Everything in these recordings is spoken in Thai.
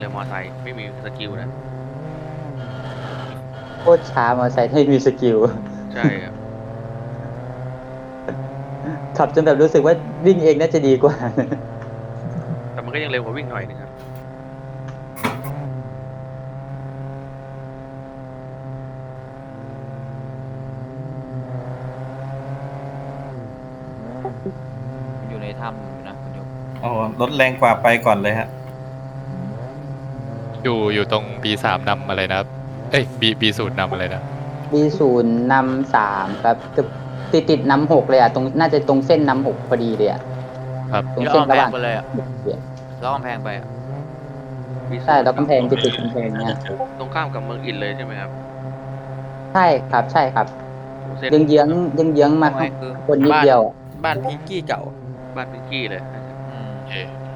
เลยมอไซค์ไม่มีสกิลนะโคตรช้ามอเตอร์ไซค์ไม่มีสกิลใช่ครับขับจนแบบรู้สึกว่าวิ่งเองน่าจะดีกว่าแต่มันก็ยังเร็วกว่าวิ่งหน่อยนึงครับมันอยู่ในถ้ำอยู่นะคุณยกอ๋อรถแรงกว่าไปก่อนเลยฮะอยู่ตรง B3 นำอะไรนะครับเอ้ย B0 นำอะไรนะ B0นำ3ครับคือติดนำ6เลยอ่ะตรงน่าจะตรงเส้นนำ6พอดีเลยอ่ะครับตรงที่อ้เส้นระหว่างอมแพงไปเลยอ่ะแล้วอ้อมแพงไปอ่ะวีใช่แล้วศูนย์กำแพงติดกำแพงเนี่ยตรงข้ามกับเมืองอินเลยใช่ไหมครับใช่ครับใช่ครับโอ้เส้นเยื้องมาทำไมข้างคือบนนิดบ้านเดียวอะบ้านพิงกี้เก่าบ้านพิงกี้เลยอืมโอเค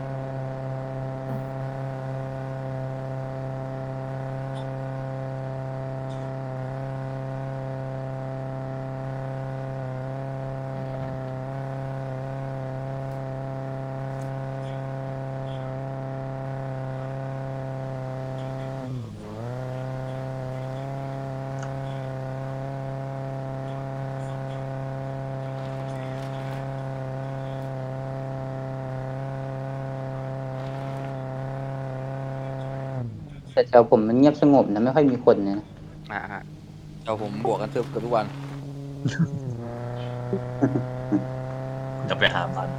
แต่แถวผมมันเงียบสงบนะไม่ค่อยมีคนนะฮะเดี๋ยวผมบวกกันเกือบทุกวันจะไปหาบ้าน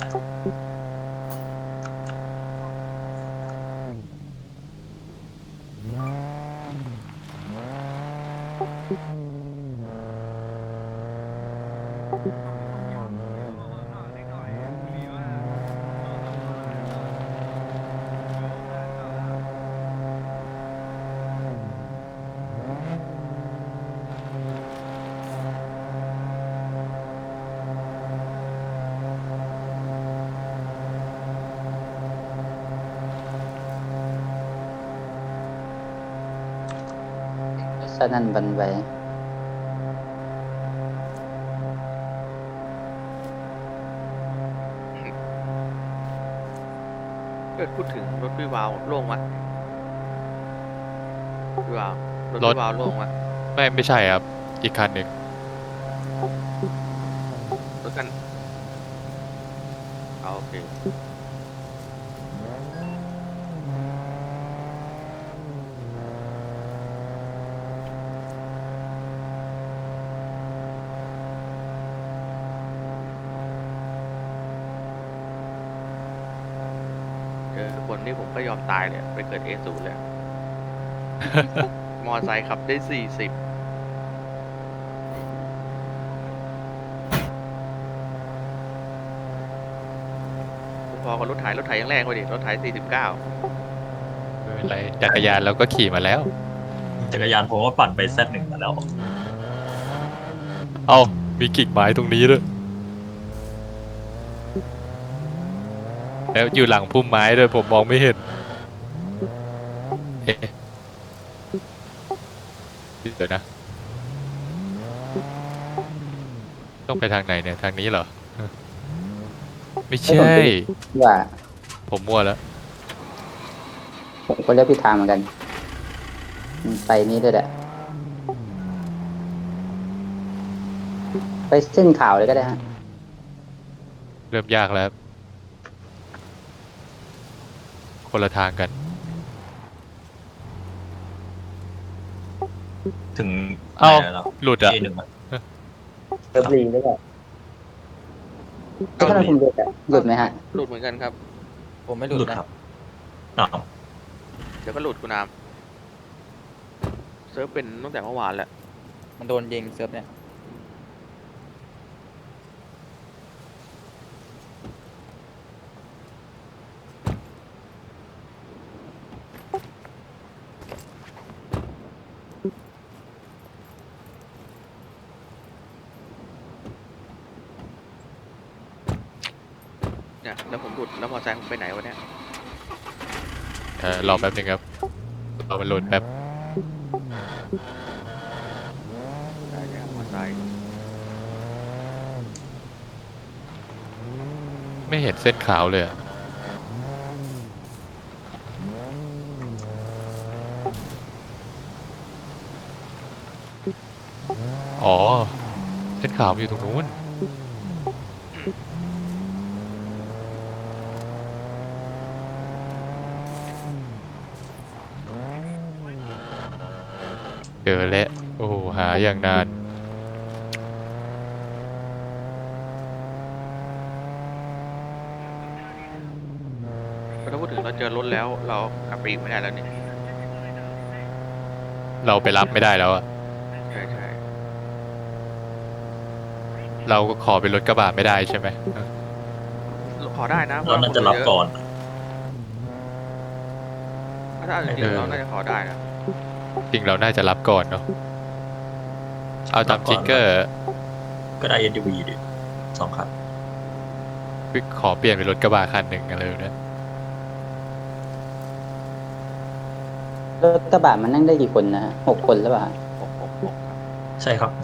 สนั่นหวั่นไหวเกิดพูดถึงรถวิวาวโล่งวะวิวาวรถรถวิวาวโล่งวะไม่ใช่ครับ อีกคันหนึ่งรถกันเอาโอเคเจอคนนี้ผมก็ยอมตายเลยไปเกิดA0เลยมอไซค์ขับได้40พอกับรถไถยังแรงกว่าดิรถไถ49 ไม่เป็นไรจักรยานเราก็ขี่มาแล้วจักรยานผมก็ปั่นไปZ1มาแล้วเอ้ามีกิ่งไม้ตรงนี้ด้วยแล้วอยู่หลังพุ่มไม้ด้วยผมมองไม่เห็นเอ๊ะเดี๋ยวนะ ต้องไปทางไหนเนี่ย ทางนี้เหรอ ไม่ให้ผมใช่ดูว่าผมมั่วแล้วผมก็เลือกผิดทางเหมือนกันไปนี่ด้วยแหละไปเส้นขาวเลยก็ได้ฮะเริ่มยากแล้ว คนละทางกันถึงเอ้าไหนแล้วหลุดอ่ะ A1อะเลิฟลีด้วยแหละก็ทำไมผมหลุดไหมฮะหลุดเหมือนกันครับผมไม่หลุหลุดดนะครับอ้าวเดี๋ยวก็หลุดคุณน้ำเซิร์ฟเป็นตั้งแต่เมื่อวานแหละมันโดนยิงเซิร์ฟเนี่ยเนี่ยแล้วผมหลุดแล้วมอเตอร์ไซค์ผมไปไหนวะเนี่ยรอแป๊บนึงครับรอมันโหลดแป๊บได้เนี่ยมอเตอร์ไซค์ไม่เห็นเส้นขาวเลยอะอ๋อเส้นขาวมันอยู่ตรงนู้นเจอแล้วโอ้โหหาอย่างนานถ้าพูดถึงเราเจอรถแล้วเรากลับไปอีกไม่ได้แล้วเนี่ยเราไปรับไม่ได้แล้วอะใช่ใช่เราก็ขอเป็นรถกระบะไม่ได้ใช่ไหมขอได้นะเราน่าจะรับก่อนถ้าจริงๆเราน่าจะขอได้นะจริงเราน่าจะรับก่อนเนาะเอาตามจริงก็ก็ได้ SUV ดิ2 คันขอเปลี่ยนเป็นรถกระบะคันหนึ่งอะไรแบบนี้รถกระบะมันนั่งได้กี่คนนะฮะ6 คนหรือเปล่าฮะ 6 ครับใช่ครับ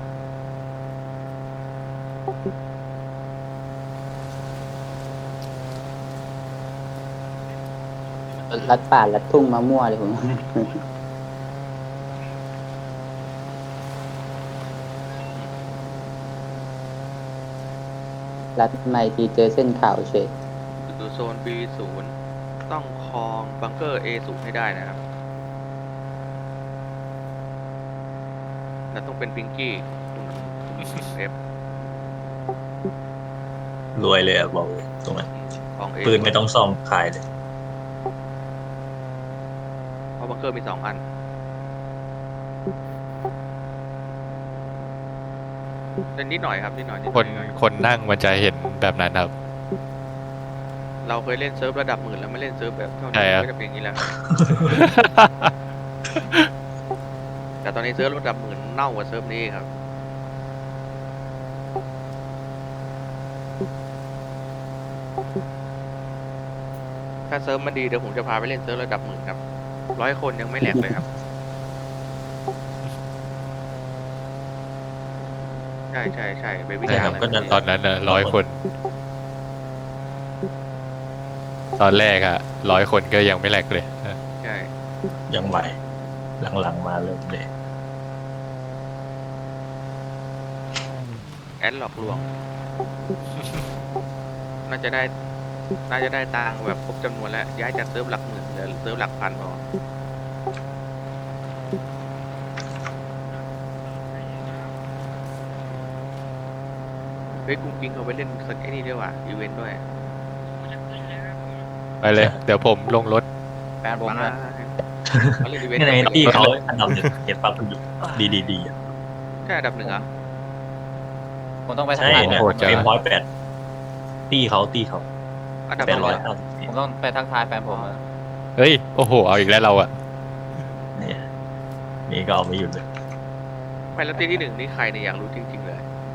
ลัดป่าลัดทุ่งมามั่วเลยผม ลัดไม่ทีเจอเส้นขาวเฉยอยู่โซน B0 ต้องครองบังเกอร์ A0 ให้ได้นะครับแล้วต้องเป็นพิงกี้เอฟรวยเลยอะบอกเลยตรงนั้นของ A ปืนไม่ต้องซ่อมขายเลยเพราะบังเกอร์มี2 อันเป็นนิดหน่อยครับนิดหน่อยนิดหคน่นอยคนนั่งมันจะเห็นแบบนั้นครับเราเคยเล่นเซิร์ฟระดับหมื่นแล้วไม่เล่นเซิร์ฟแบบเท่าใช่นี้ครับก็จะเป็นอย่างนี้แล้วครับ แต่ตอนนี้เซิร์ฟระดับหมื่นเน่ากว่าเซิร์ฟนี้ครับ ถ้าเซิร์ฟมันดีเดี๋ยวผมจะพาไปเล่นเซิร์ฟระดับหมื่นครับ100 คนยังไม่แหลกเลยครับ ใช่ใช่ใช่ไปวิ่งใช่ครับอะไรก็นั่นตอนนั้นน่ะ100 คน ตอนแรกอะ100 คนก็ยังไม่แหลกเลยใช่ยังไหว หลังๆมาเริ่มเลยแอดหลอกลวง น่าจะได้ตังค์แบบครบจำนวนแล้ว ย้ายจากเซิร์ฟหลักหมื่นเหลือเซิร์ฟหลักพันพอเฮ้ยกุ้งกิ้งเขาไปเล่นสักไอ้นี่ด้วยว่ะอีเวนต์ด้วยไปเลย เดี๋ยวผมลงรถแฟนผมมานะเขาเล่นอีเวนต์นี่ในกับที่เขาอันดับหนึ่งเห็นปะคุณดีอะใช่อันดับ 1เหรอผมต้องไปใช่ทักทายเนี่ยโหดจังเฟรม108ตีเขาอันดับ 8 100 9 ผมต้องไปทักทายแฟนผมอะเฮ้ย โอ้โห เอาอีกแล้วเราอะเนี่ยนี่ก็เอาไม่หยุดเลยไม่แล้วที่ 1นี่ใครเนี่ยอยากรู้จริงๆเลย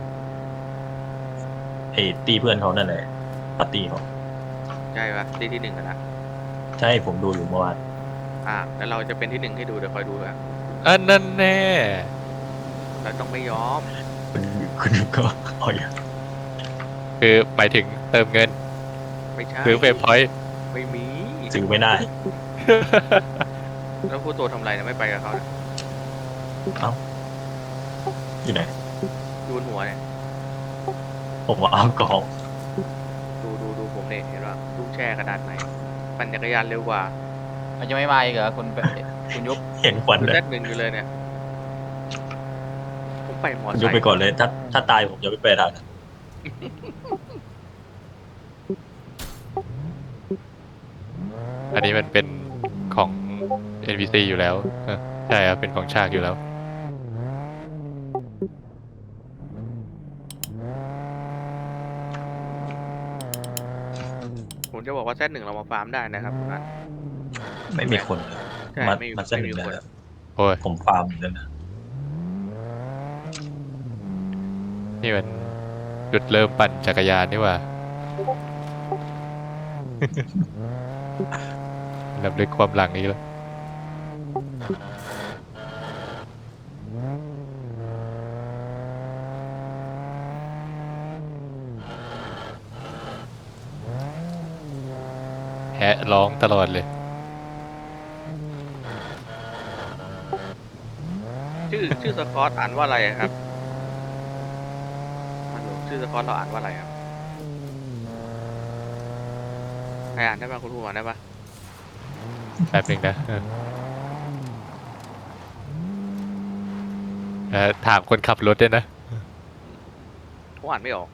ไอ้ตีเพื่อนเขานั่นแหละปาร์ตี้เขาใช่ปะที่ 1อะนะใช่ผมดูอยู่เมื่อวานแล้วเราจะเป็นที่ 1ให้ดูเดี๋ยวคอยดูอะอันนั้นแน่เราต้องไม่ยอมคุณก็เอาอย่างคือหมายถึงเติมเงินไม่ใช่ซื้อเฟรมพอยต์ไม่มีซื้อไม่ได้แล้วผู้ตัวทำไรนะไม่ไปกับเขานะอยู่ไหนดูบนหัวเนี่ยผมว่าเอากองดูผมเนี่ยเห็นว่าลูกแช่กระดานไหนปั่นจักรยานเร็วกว่ามันจะไม่มาอีกเหรอคุณยุบเห็นควันเลยแซดหนึ่งอยู่เลยเนี่ย ผมไปมอคุณไซยกค์ไปก่อนเลย ถ้าตายผมจะไม่ไปทางนั้นอันนี้มันเป็นของ NPC อยู่แล้วใช่ครับ เป็นของฉากอยู่แล้วผมจะบอกว่าแซดหนึ่งเรามาฟาร์มได้นะครับคุณนัทไม่มีคนใช่มาไม่มีมาเส้นหไม่นึ่มีงคนแล้วโอ้ยผมฟาร์มอยู่นั่นนะนี่มันจุดเริ่มปั่นจักรยานนี่หว่า ลำลึกความหลังนี้แล้ว แฮะร้องตลอดเลยชื่อสกอตอ่านว่าอะไรครับฮัลโหลชื่อสกอตเราอ่านว่าอะไรครับใครอ่านได้บ้างคุณผู้อ่านได้ปะแป๊บหนึ่งนะถามคนขับรถด้วยนะผมอ่านไม่ออก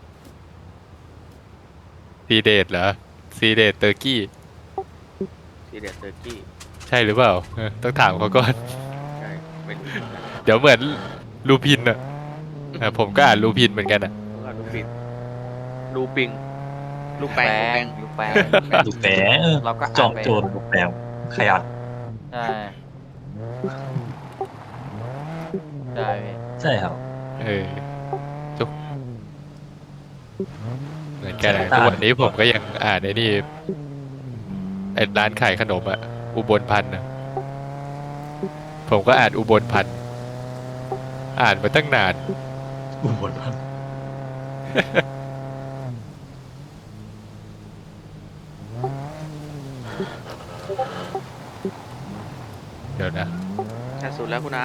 ซีเดทเหรอซีเดทเตอร์กี้ซีเรียสเตอร์กี้ใช่หรือเปล่าต้องถามเขาก่อนใช่ไม่รู้เหมือนกันเดี๋ยวเหมือนลูพินอ่ะผมก็อ่านลูพินเหมือนกันอ่ะแล้วก็ลูปิงลูปิงลูแปงลูกแป้งลูกแปะเราก็จอ่าอน มไปโจรลูกแปะขยันใช่ใช่พี่ใช่ครับเออทุกเหมือนกันอะทุกวันนี้ผมก็ยังอ่านไอ้นี่ไอ้ร้านขายขนมอ่ะอุบลพันธ์นะผมก็อ่านอุบลพันธ์อ่านมาตั้งนานอุบลพันธ์เดี๋ยวนะแค่สุดแล้วคุณน้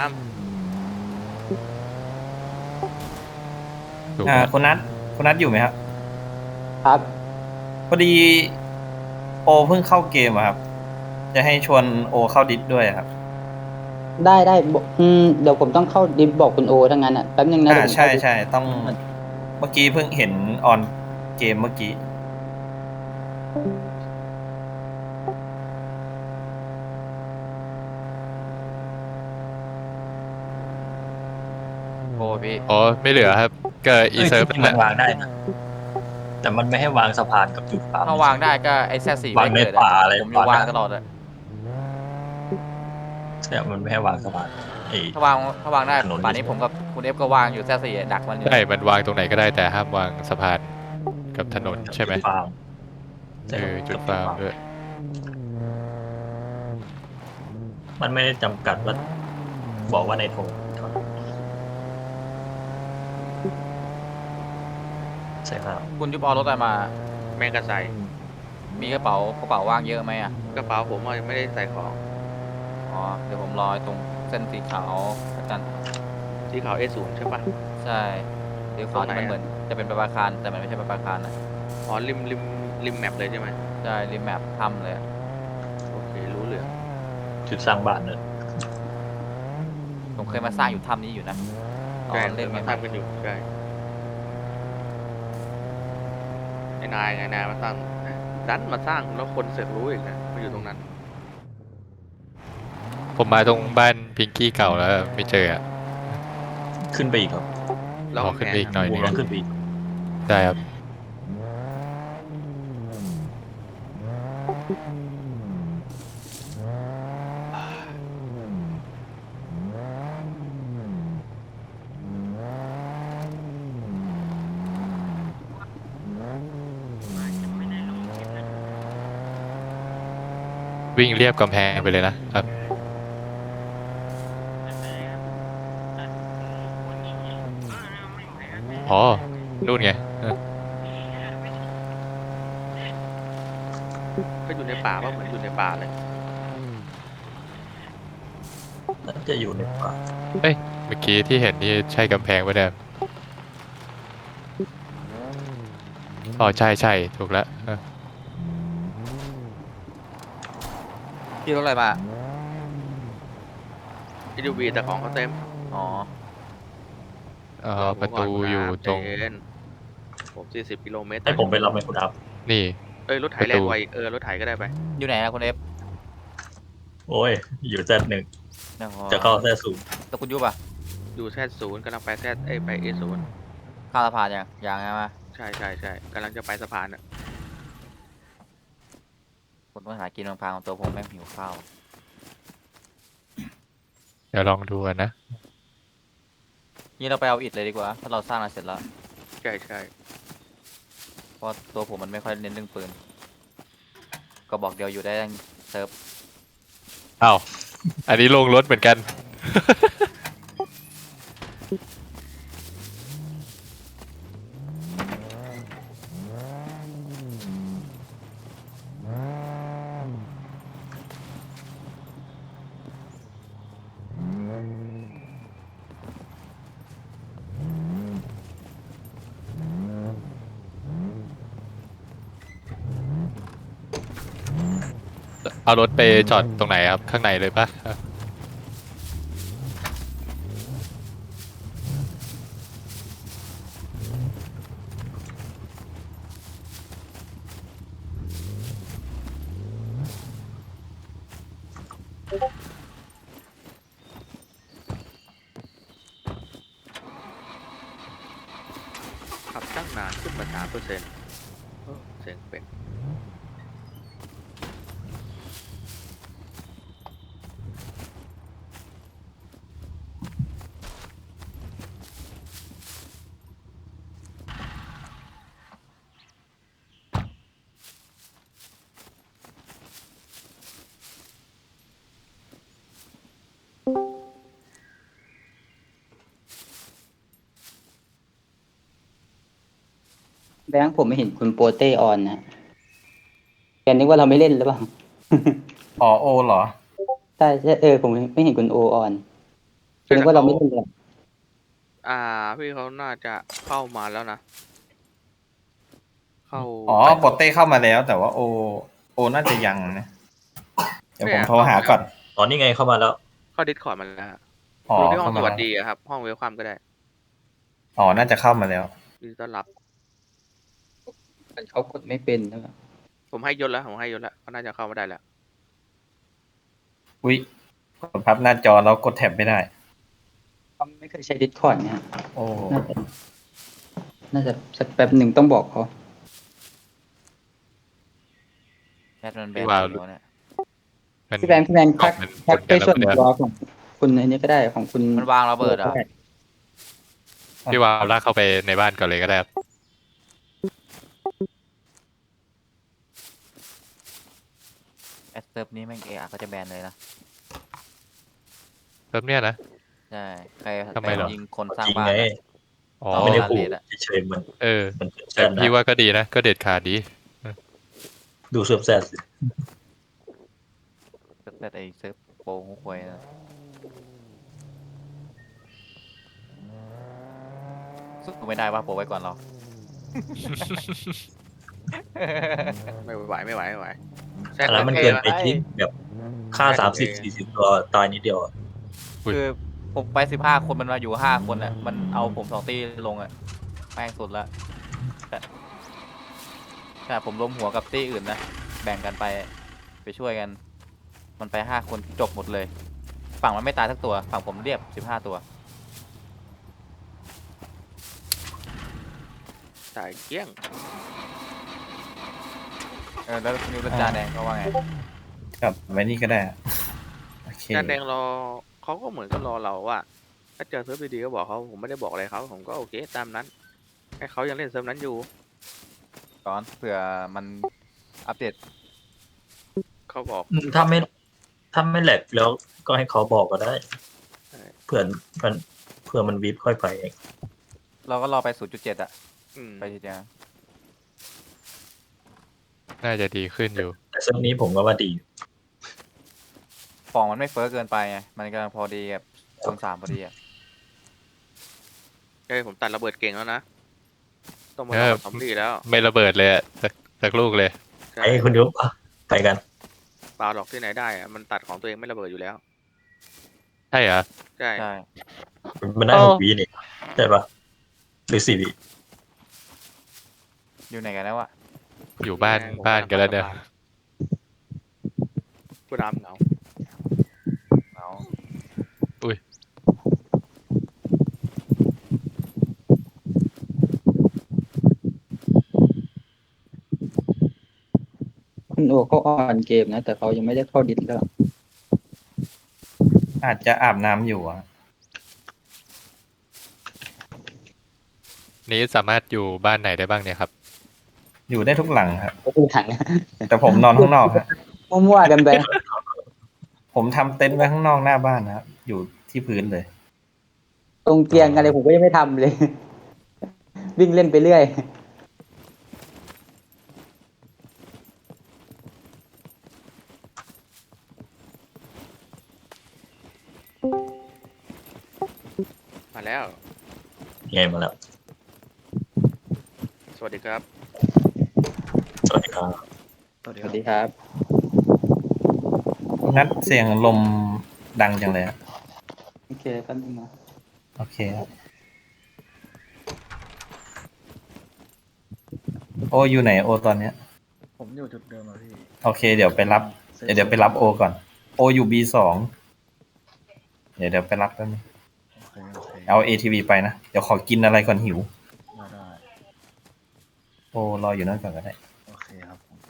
ถูกไหมคุณนัทอยู่ไหมครับครับพอดีโอเพิ่งเข้าเกมอะครับ จะให้ชวนโอเข้าดิสด้วยอะครับได้บอกเดี๋ยวผมต้องเข้าดิฟบอกคุณโอทั้งนั้นอ่ะแป๊บนึงนะเดี๋ยวผมใช่เข้าดิฟใช่ต้องเมื่อกี้เพิ่งเห็นออนเกมเมื่อกี้โอ้พี่อ๋อไม่เหลือครับก็อีเซิร์ฟที่นั่นมันแหละวางได้นะแต่มันไม่ให้วางสะพานกับจุดปั๊มถ้าวางได้ก็ไอ้แซสี่วางไม่ในเกิดป่าอะไรผมอยู่วางป่าตลอดเลยเนี่ยมันไม่ให้วางสะพานไอ้ถ้าวางได้ถนนป่านนี้ผมกับคุณเอฟก็วางอยู่แซสี่ดักมันอยู่ใช่มันวางตรงไหนก็ได้แต่ห้ามวางสะพานกับถนนใช่ไหมจุดฟาร์มจุดฟาร์มด้วยมันไม่ได้จำกัดว่าบอกว่าในธงใช่ครับคุณยุบเอารถอะไรมาำแมงกะไซมีกระเป๋าว่างเยอะไหมอ่ะกระเป๋าผมอะยังไม่ได้ใส่ของอ๋อเดี๋ยวผมรอตรงเส้นสีขาวอาจารย์ที่เขา A0 ใช่ปะใช่สีขาวที่มันเหมือนจะเป็นประภาคารแต่มันไม่ใช่ประภาคารนะอ๋อริมแมปเลยใช่ไหมใช่ริมแมปถ้ำเลยอะโอเครู้เรื่องจุดสร้างบ้านเนี่ยผมเคยมาสร้างอยู่ถ้ำนี้อยู่นะตอใช่นเล่นมาไงทำกันอยู่ใช่ไอ้นายมาสร้างดันมาสร้างแล้วคนเสร็จรู้อีกนะมาอยู่ตรงนั้นผมมาตรงบ้านพิงกี้เก่าแล้วไม่เจออ่ะขึ้นไปอีกครับแล้วขึ้นไปอีกหน่อยวนึงงแล้วขึ้นไปอีกได้ครับ วิ่งเรียบกำแพงไปเลยนะครับอ๋อนู่นไงก็อยู่ในป่าว่าเหมือนอยู่ในป่าเลยน่าจะอยู่ในป่าเอ้ยเมื่อกี้ที่เห็นนี่ใช่กำแพงปะเนี่ยอ๋อใช่ถูกแล้วพี่รถอะไรมา SUV แต่ของเขาเต็มอ๋อประตูอยู่ตรงเจนผม40 กิโลเมตรให้ผมไปรับไหมคุณอัพนี่เอ้ยรถไถแรงกว่าอีกรถไถก็ได้ไปอยู่ไหนนะคุณเอฟโอ้ย อยู่แซดหนึ่งเนี่ยจะเข้าแซดศูนย์แต่คุณยุบอ่ะอยู่Z0กำลังไปไป A0 ข้ามสะพานยังไงมาใช่กำลังจะไปสะพานอ่ะผมต้องหากินบางพางของตัวผมแม่งหิวข้าวเดี๋ยวลองดูกันนะนี่เราไปเอาอิฐเลยดีกว่าถ้าเราสร้างอะไรเสร็จแล้วใช่เพราะตัวผมมันไม่ค่อยเน้นเรื่องปืนก็บอกเดียวอยู่ได้ทั้งเซิร์ฟอ้าว อันนี้ลงรถเหมือนกันเอารถไปจอดตรงไหนครับ ข้างในเลยปะขับตั้งนานขึ้นมา3%เสียงเป็นแบงค์ผมไม่เห็นคุณโปเต้ออนนะแกนึกว่าเราไม่เล่นหรือเปล่าอ๋อโอเหรอใช่ใช่ผมไม่เห็นคุณโอออนแกนึกว่าเราไม่เล่นเลยพี่เขาน่าจะเข้ามาแล้วนะ เข้าอ๋อโปเต้เข้ามาแล้ว แต่ว่าโอน่าจะยังนะ เดี๋ยวผมโทรหาก่อนตอนนี้ไงเข้ามาแล้วเข้าดิสคอร์ดมาแล้วฮะอ๋ออยู่ที่ห้อเข้างสมาวัสแล้วดีอะครับ ห้องเวลคัมก็ได้อ๋อน่าจะเข้ามาแล้วยินดีต้อนรับเขากดไม่เป็นใช่ไหมผมให้ยศแล้วก็น่าจะเข้ามาได้แล้วอุ๊ยกดพับหน้าจอแล้วกดแท็บไม่ได้เขาไม่เคยใช้ Discord เนี่ยโอ้น่าจะสักแป๊บหนึ่งต้องบอกเขาแอดมันแบพี่นวาวอยู่เนี่ยมันพี่แบงค์ทักมันทักไปส่วนมันตัวของคุณอันนี้ก็ได้ของคุณมันวางระเบิดเหรอพี่วาวลากเข้าไปในบ้านก่อนเลยก็ได้ครับแอดเซิร์ฟนี้แม่งก็จะแบนเลยนะเริ่มเนี่ยนะใช่ใครทำไมเหรอยิงคนสร้างจริงบ้านไงอะอ๋อไม่ได้ขู่เลดอะเฉยๆมันเออมันเป็นแซแต่ดนะพี่ว่าก็ดีนะ ก็เด็ดขาดดีดูเซิร์ฟแซดสิแต่ไอเซิร์ฟโปรหวยนะสู้ไม่ได้ว่าโปรไว้ก่อนเราไม่ไหวแซอันนั้นมันเกินไปจริงแบบฆ่า30-40 ตัวตายนิดเดียวอะคือผมไป15 คนมันมาอยู่5 คนอ่ะ มันเอาผม2 ตีลงอ่ะแม่งสุดละแต่ผมล้มหัวกับตีอื่นนะ แบ่งกันไปช่วยกัน มันไป5 คนจบหมดเลย ฝั่งมันไม่ตายสักตัว ฝั่งผมเรียบ15 ตัวจ่ายเกลี้ยงแล้วนิวรจาแดงเขาว่าไงกลับไว้นี่ก็ได้อะโอเคจานแดงรอเขาก็เหมือนก็รอเราว่า ถ้าเจอเซิร์ฟดีๆก็บอกเขาผมไม่ได้บอกอะไรเขาผมก็โอเคตามนั้นให้เขายังเล่นเซิร์ฟนั้นอยู่ก่อนเผื่อมันอัปเดตเขาบอกถ้าไม่แหลกแล้วก็ให้เขาบอกก็ได้ใช่เผื่อมันวิบค่อยไปเองเราก็รอไป 0.7 อ่ะอืมไปทีเดียวน่าจะดีขึ้นอยู่แต่เซิร์ฟนี้ผมก็ว่าดีฟองมันไม่เฟ้อเกินไปไง มันกำลังพอดีกับ0.3พอดีอ่ะใช่ผมตัดระเบิดเก่งแล้วนะต้องมาเออทำซอมบี้แล้วไม่ระเบิดเลยอะสักลูกเลยใช่ไอ้คุณยุบไปกันเปล่าหรอกที่ไหนได้อะมันตัดของตัวเองไม่ระเบิดอยู่แล้วใช่เหรอใช่ใช่มันได้เออ 6 วินี่ใช่ปะหรือ4 วิอยู่ไหนกันแล้วอ่ะอยู่บ้านกันแล้วเนี่ยกูดำเหงาเอาคุณโอเขาออนเกมนะ แต่เขายังไม่ได้เข้าดิสแล้วอาจจะอาบน้ำอยู่อะนี้สามารถอยู่บ้านไหนได้บ้างเนี่ยครับอยู่ได้ทุกหลังครับก็คือถังแต่ผมนอนข้างนอกครับมั่วๆกันไปผมทำเต็นท์ไว้ข้างนอกหน้าบ้านนะครับ อยู่ที่พื้นเลยตรงเตียงอะไรผมก็ยังไม่ทำเลย วิ่งเล่นไปเรื่อยมาแล้วไงมาแล้วสวัสดีครับสวัสดีครับสวัสดีครับนัดเสียงลมดังจังเลยอะโอเคแป๊บนึงนะโอเคครับโออยู่ไหนโอตอนเนี้ยผมอยู่จุดเดิมอะพี่โอเค เดี๋ยวไปรับ เดี๋ยวไปรับโอก่อน โออยู่ B2 เดี๋ยวไปรับแป๊บนึงโอเคเอา ATV ไปนะ เดี๋ยวขอกินอะไรก่อนหิวได้โอรออยู่นั่นก่อนก็ได้โอเคครับผม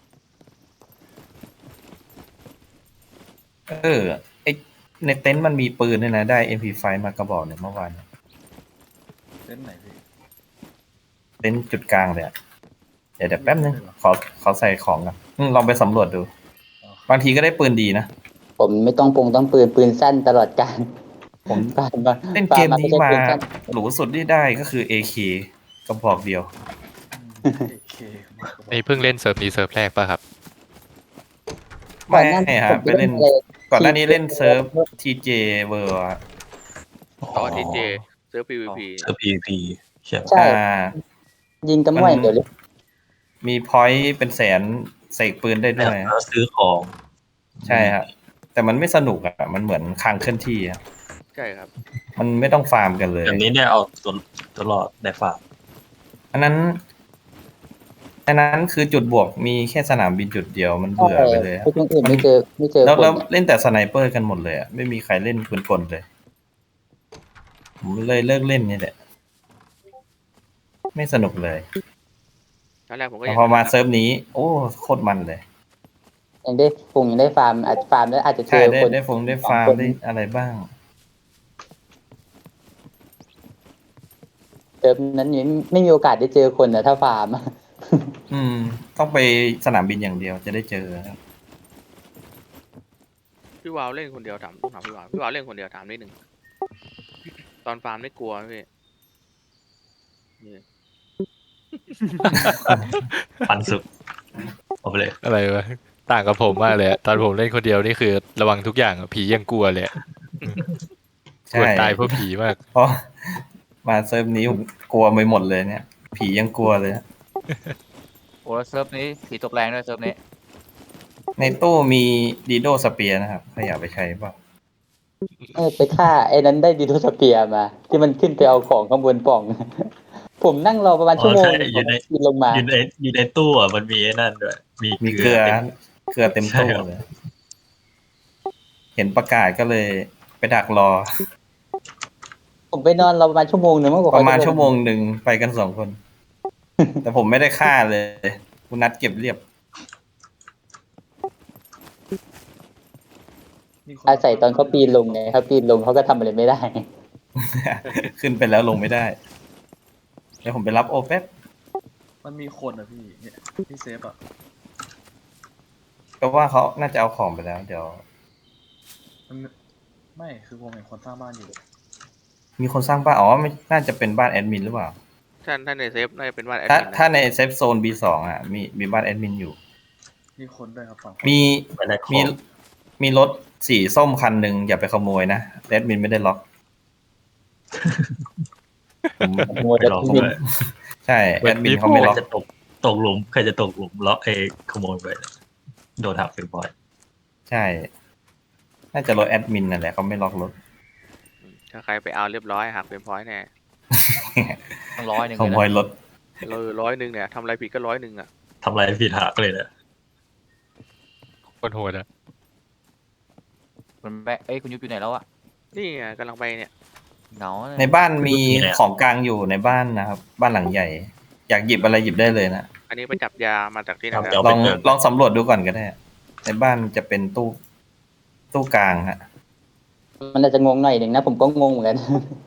ไอในเต็นท์มันมีปืนด้วยนะ ได้ MP5 มากระบอกเนี่ยเมื่อวานเล่นไหนพี่เต็นท์จุดกลางเลยอะเดี๋ยวแป๊บนึงขอใส่ของก่อนลองไปสำรวจดู บางทีก็ได้ปืนดีนะผมไม่ต้องต้องปืนสั้นตลอดการ ผมฟาร์มมาเล่นเกมนี้มาฟร์ไใช่ปืสั้นหรูสุดที่ได้ก็คือ AK กระบอกเดียวโอเคนี่เพิ่งเล่นเซิร์ฟนี้เซิร์ฟแรกป่ะครับไม่ก่อนหน้าครับไปเล่น ก่อนหน้านี้เล่นเซิร์ฟ TJ World อะต่อทีเจเซิร์ฟ PVP เซิร์ฟ PVP ใช่ใช่ ยิงตะมั่วมันอย่างเดียวเลยมีพอยต์เป็นแสนเสกปืนได้ด้วยแล้วซื้อของใช่ครับ แต่มันไม่สนุกอะมันเหมือนคางเคลื่อนที่อะใช่ครับมันไม่ต้องฟาร์มกันเลยอย่างนี้เนี่ยเอาตัวรอดในฝากอันนั้นคือจุดบวกมีแค่สนามบินจุดเดียวมันเบื่อไปเลยอะพวกอื่นไม่เจอแล้วคนเล่นแต่สไนเปอร์กันหมดเลยอะไม่มีใครเล่นปืนกลเลย ผมเลยเลิกเล่นนี่แหละ ไม่สนุกเลยตอนแรกผมก็แต่ยังพอมาเซิร์ฟนี้ โอ้โคตรมันเลยยังได้ฟาร์มอาจฟาร์มแล้วอาจจะเจใช่อได้คนได้ได้ฟาร์มคนได้อะไรบ้างเติมนั้นไม่มีโอกาสได้เจอคนนะถ้าฟาร์มต้องไปสนามบินอย่างเดียวจะได้เจอครับพี่วาวเล่นคนเดียวต้องถามพี่วาวเล่นคนเดียวถามนิดนึงตอนฟาร์มไม่กลัวไหมพี่นี่ปันสุดเอาไปเลยอะไรวะต่างกับผมมากเลยอะตอนผมเล่นคนเดียวนี่คือระวังทุกอย่างอะผียังกลัวเลยอะกลัวใช่ตายเพราะผีมากเพราะมาเซิร์ฟนี้ผมกลัวไปหมดเลยเนี่ย ผียังกลัวเลยโอ้แล้วเซิร์ฟนี้ผีตกแรงด้วยเซิร์ฟนี้ในตู้มีดีโดสเปียร์นะครับใครอยากไปใช้เปล่าไปฆ่าไอ้นั้นได้ดีโทสเปียร์มา ที่มันขึ้นไปเอาของข้างบนปล่อง ผมนั่งรอประมาณชั่วโมงใช่อยู่ในกินลงมาอยู่ในตู้อ่ะมันมีไอ้นั่นด้วยมีเกลือเต็มตู้เลย เห็นประกาศก็เลยไปดักรอผมไปนอนรอประมาณชั่วโมงหนึ่งมากกว่าประมาณชั่วโมงหนึ่งไปกัน2 คน แต่ผมไม่ได้ฆ่าเลยคุณนัดเก็บเรียบอาศัยตอนเขาปีนลงไงเขาปีนลงเขาก็ทำอะไรไม่ได้ขึ้นไปแล้วลงไม่ได้เดี๋ยวผมไปรับโอแป๊บมันมีคนอะพี่เนี่ยพี่เซฟอะก็ว่าเขาน่าจะเอาของไปแล้ว เดี๋ยวมันไม่คือผมเห็นคนสร้างบ้านอยู่มีคนสร้างบ้านอ๋อไม่น่าจะเป็นบ้านแอดมินหรือเปล่าถ้าในเซฟน่าจะเป็นว่าแอดถ้ามินถ้าในเซฟโซน B2 อ่ะมีบ้านแอดมินอยู่มีคนด้วยครับฝั่งมีไปแลกของมีรถสีส้มคันหนึ่งอย่าไปขโมยนะแอดมินไม่ได้ล็อกผมมัวแต่ไปลองบินเลยใช่แอดมินเขาไม่ใครล็อกจะตกหลุมใครจะตกหลุมล็อกขโมยไปโดนหักเป็นบ่อยใช่ น่าจะรถแอดมินนั่นแหละเขาไม่ล็อกรถถ้าใครไปเอาเรียบร้อยหักเป็นพอยต์แน่ต้องร้อยหนึ่งขเลยโมยนะรถ 100เนี่ยทำอะไรผิดก็100อ่ะทำอะไรผิดหักเลยนะคนโหดอะคุณแบะเอ้ยคุณยุบอยู่ไหนแล้วอะนี่ไงกำลังไปเนี่ยเหงาเลยในบ้านมีของกลางอยู่ในบ้านนะครับ บ้านหลังใหญ่ อยากหยิบอะไรหยิบได้เลยนะอันนี้ไปจับยามาจากที่ไหนเดี๋ยวลไปองเจอลองสำรวจดูก่อนก็ได้ ในบ้านจะเป็นตู้กลางฮะมันอาจจะงงหน่อยหนึ่งนะ ผมก็งงเหมือนกัน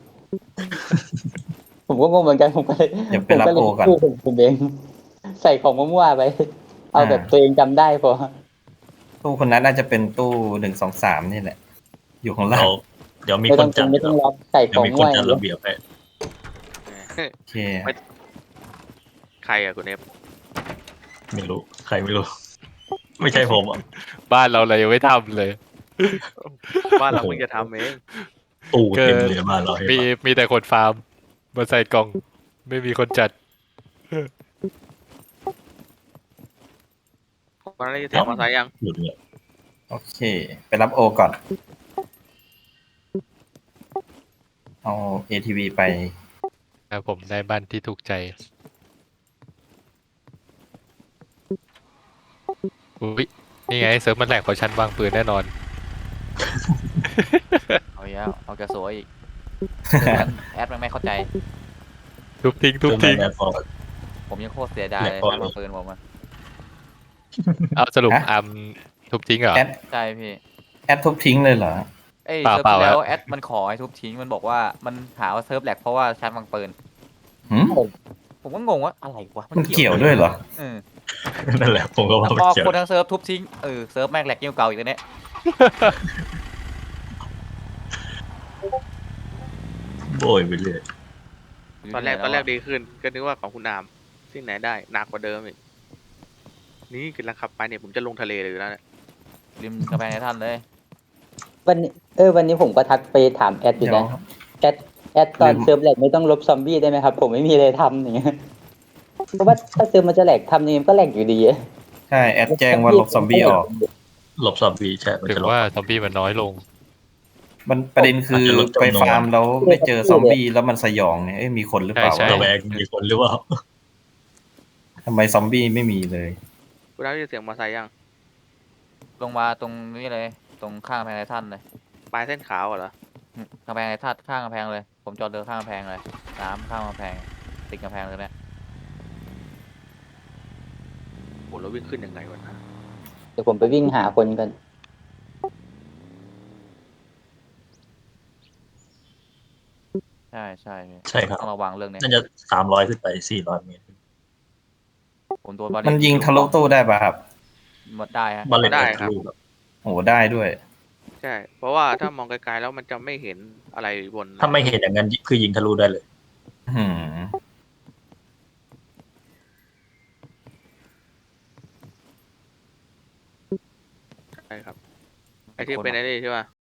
ผมก็งงเหมือนกันผมก็เลยเดี๋ยวไปรับโอก่อนผมเองใส่ของมั่วๆไป เอาแบบตัวเองจำได้พอตู้คนนั้นน่าจะเป็นตู้1 2 3นี่แหละ อยู่ข้างล่างเดี๋ยวมีไม่คต้อน งจัดไม่ต้องรับใส่ขเดี๋ยวองมีคมั่นวจัดระเบียบให้โอเคใครอะคุณเอฟไม่รู้ ใครไม่รู้ ไม่ใช่ผมอ่ะบ้านเราเลยยังไม่ทำเลยบ้านเราเพิ่งจะทำเองตู้เต็มเลยบ้านเราให้มีมามีแต่คนฟาร์มมาใส่กล่อง ไม่มีคนจัดตอนนั้นได้ยินเสียงมอเตอร์ไซค์ยังหลุดเลยโอเค ไปรับโอก่อน เอา ATV ไปแล้วผมได้บ้านที่ถูกใจอุ้ยนี่ไงเซิร์ฟมันแหลกเพราะฉันวางปืนแน่นอนเอาอีกแล้วเอากระสวยอีกแอดมันไม่เข้าใจทุบทิ้งทุบทิ้งแอร์ฟอร์ผมยังโคตรเสียดายเลยแหลกก่อนถ้ามาปืนผมอะเอาสรุปฮะอัมทุบทิ้งเหรอแอดใช่พี่แอดทุบทิ้งเลยเหรอเอ้ยเปล่าเซิร์ฟที่แล้วเปล่าแอดมันขอให้ทุบทิ้งมันบอกว่ามันหาว่าเซิร์ฟแหลกเพราะว่าชาร์จวางปืนหืมผมก็งงว่าอะไรวะมันเกี่ยวด้วยเหรอเออนั่นแหละผมก็ว่าแล้วมันก็เกี่ยวคนทั้งเซิร์ฟทุบทิ้งเซิร์ฟแม่งแหลกยิ่งกว่าเก่าอีกตัวเนี้ยโบยไปเรื่อยตอนแรกดีขึ้น ก็นึกว่าของคุณอามที่ไหนได้หนักกว่าเดิมอีกนี่กำลังขับไปเนี่ยผมจะลงทะเลเลยอยู่แล้วเนี่ยริมกำแพงในท่านเลยวันนี้วันนี้ผมก็ทักไปถามแอดอยู่เดี๋ยวนะแอดตอนลืมเซิร์ฟแหลกไม่ต้องลบซอมบี้ได้ไหมครับ ผมไม่มีอะไรทำอย่างเงี้ยเพราะว่าถ้าเซิร์ฟมันจะแหลกทำยังไงมันก็แหลกอยู่ดีอะใช่ แอดแจ้งว่าลบซอมบี้ออกหลบซอมบี้ใช่มันถึงจะหลบว่าซอมบี้มันน้อยลงมันประเด็นคืออาจจะลดจำนวนไปฟาร์มแล้วไม่เจอซอมบี้แล้วมันสยองเนี่ยเอ้ยมีคนหรือเปล่าใช่ระวะแวงมีคนหรือเปล่าทำไมซอมบี้ไม่มีเลยคุณอามได้ยินเสียงมอเตอร์ไซค์ยังลงมาตรงนี้เลย ตรงข้างกำแพงในท่านเลยปลายเส้นขาวเหรอกำแพงในท่านข้างกำแพงเลย ผมจอดเรือข้างกำแพงเลยน้ำข้างกำแพงติดกำแพงเลยเนี่ยโหเราวิ่งขึ้นยังไงวะนะเดี๋ยวผมไปวิ่งหาคนกันใช่ใช่พี่ใช่ครับต้องระวังเรื่องเนี้ยน่าจะ300ขึ้นไป400 เมตรผมโดนบาเลมันยิงทะลุตู้ได้ป่ะครับหมดได้ฮะบอลเลนทะลุครับโอ้ได้ด้วยใช่ เพราะว่าถ้ามองไกลๆแล้วมันจะไม่เห็นอะไรบนถ้าไม่เห็นอย่างนั้นคือยิงทะลุได้เลยหืมใช่ครับไอ้ที่เป็นไอ้นี่ใช่ป่ะ